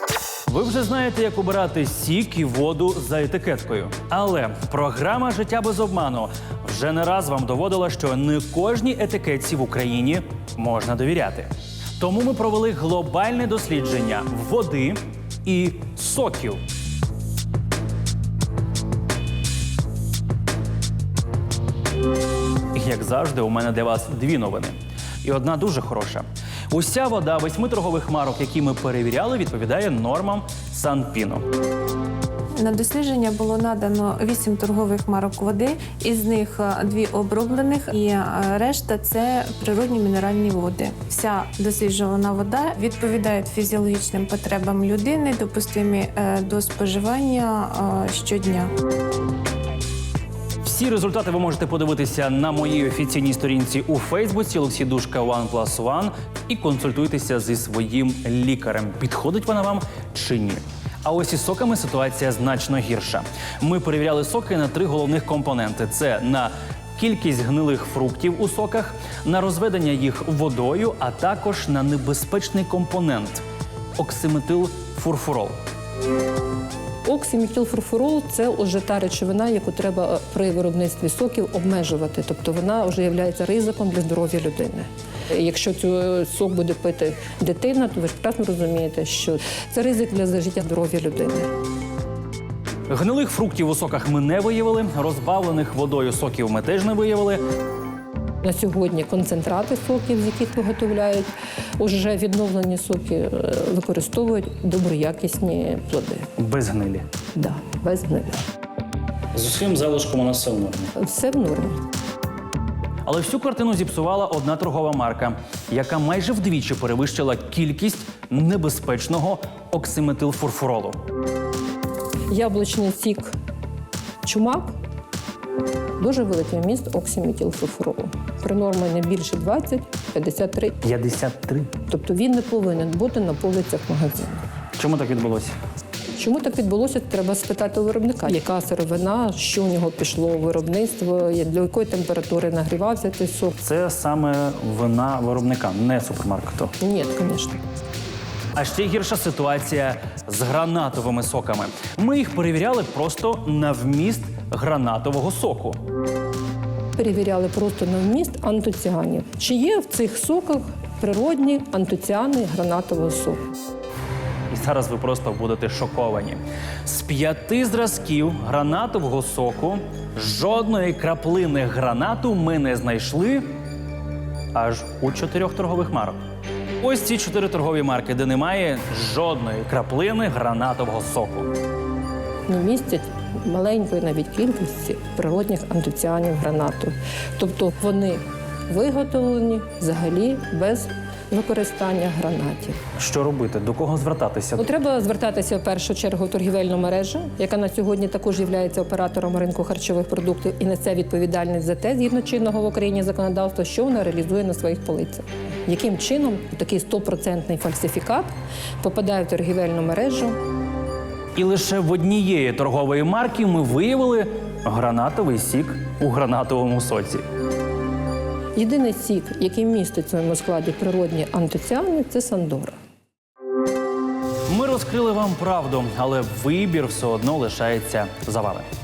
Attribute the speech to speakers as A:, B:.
A: Ви вже знаєте, як обирати сік і воду за етикеткою. Але програма «Життя без обману» вже не раз вам доводила, що не кожній етикетці в Україні можна довіряти. Тому ми провели глобальне дослідження води і соків. Як завжди, у мене для вас дві новини. І одна дуже хороша. Уся вода 8 торгових марок, які ми перевіряли, відповідає нормам Санпіну.
B: На дослідження було надано 8 торгових марок води, із них 2 оброблених, і решта – це природні мінеральні води. Вся досліджувана вода відповідає фізіологічним потребам людини, допустимі до споживання щодня.
A: Всі результати ви можете подивитися на моїй офіційній сторінці у Фейсбуці «Олексій Душка 1+1» і консультуйтеся зі своїм лікарем. Підходить вона вам чи ні? А ось із соками ситуація значно гірша. Ми перевіряли соки на 3 головних компоненти. Це на кількість гнилих фруктів у соках, на розведення їх водою, а також на небезпечний компонент – оксиметилфурфурол.
C: Оксиметилфурфурол – це вже та речовина, яку треба при виробництві соків обмежувати. Тобто вона вже є ризиком для здоров'я людини. Якщо цей сок буде пити дитина, то ви ж прекрасно розумієте, що це ризик для життя здоров'я людини.
A: Гнилих фруктів у соках ми не виявили, розбавлених водою соків ми теж не виявили.
C: На сьогодні концентрати соків, з яких виготовляють, уже відновлені соки використовують доброякісні плоди.
A: Без гнилі.
C: Да, без гнилі.
A: З усім залишком у нас все в нормі.
C: Все в нормі.
A: Але всю картину зіпсувала одна торгова марка, яка майже вдвічі перевищила кількість небезпечного оксиметилфурфуролу.
C: Яблучний сік «Чумак» дуже великий вміст оксиметилфурфуролу. При нормі не більше 20-53.
A: 53.
C: Тобто він не повинен бути на полицях магазину.
A: Чому так відбулося?
C: Чому так відбулося, треба спитати у виробника. Яка сировина, що у нього пішло у виробництво, для якої температури нагрівався цей сок.
A: Це саме вина виробника, не супермаркету.
C: Ні, звісно.
A: А ще гірша ситуація з гранатовими соками. Ми їх перевіряли просто на вміст гранатового соку.
C: Перевіряли просто на вміст антоціанів. Чи є в цих соках природні антоціани гранатового соку?
A: І зараз ви просто будете шоковані. З 5 зразків гранатового соку жодної краплини гранату ми не знайшли аж у 4 торгових марок. Ось ці 4 торгові марки, де немає жодної краплини гранатового соку.
C: Не містять маленької навіть кількості природних антоціанів гранату. Тобто вони виготовлені взагалі без використання гранатів.
A: Що робити? До кого звертатися?
C: Треба звертатися в першу чергу в торгівельну мережу, яка на сьогодні також є оператором ринку харчових продуктів і несе відповідальність за те, згідно чинного в Україні законодавства, що вона реалізує на своїх полицях. Яким чином такий 100% фальсифікат попадає в торгівельну мережу.
A: І лише в однієї торгової марки ми виявили гранатовий сік у гранатовому соці.
C: Єдиний сік, який містить в своєму складі природні антоціани, це Сандора.
A: Ми розкрили вам правду, але вибір все одно лишається за вами.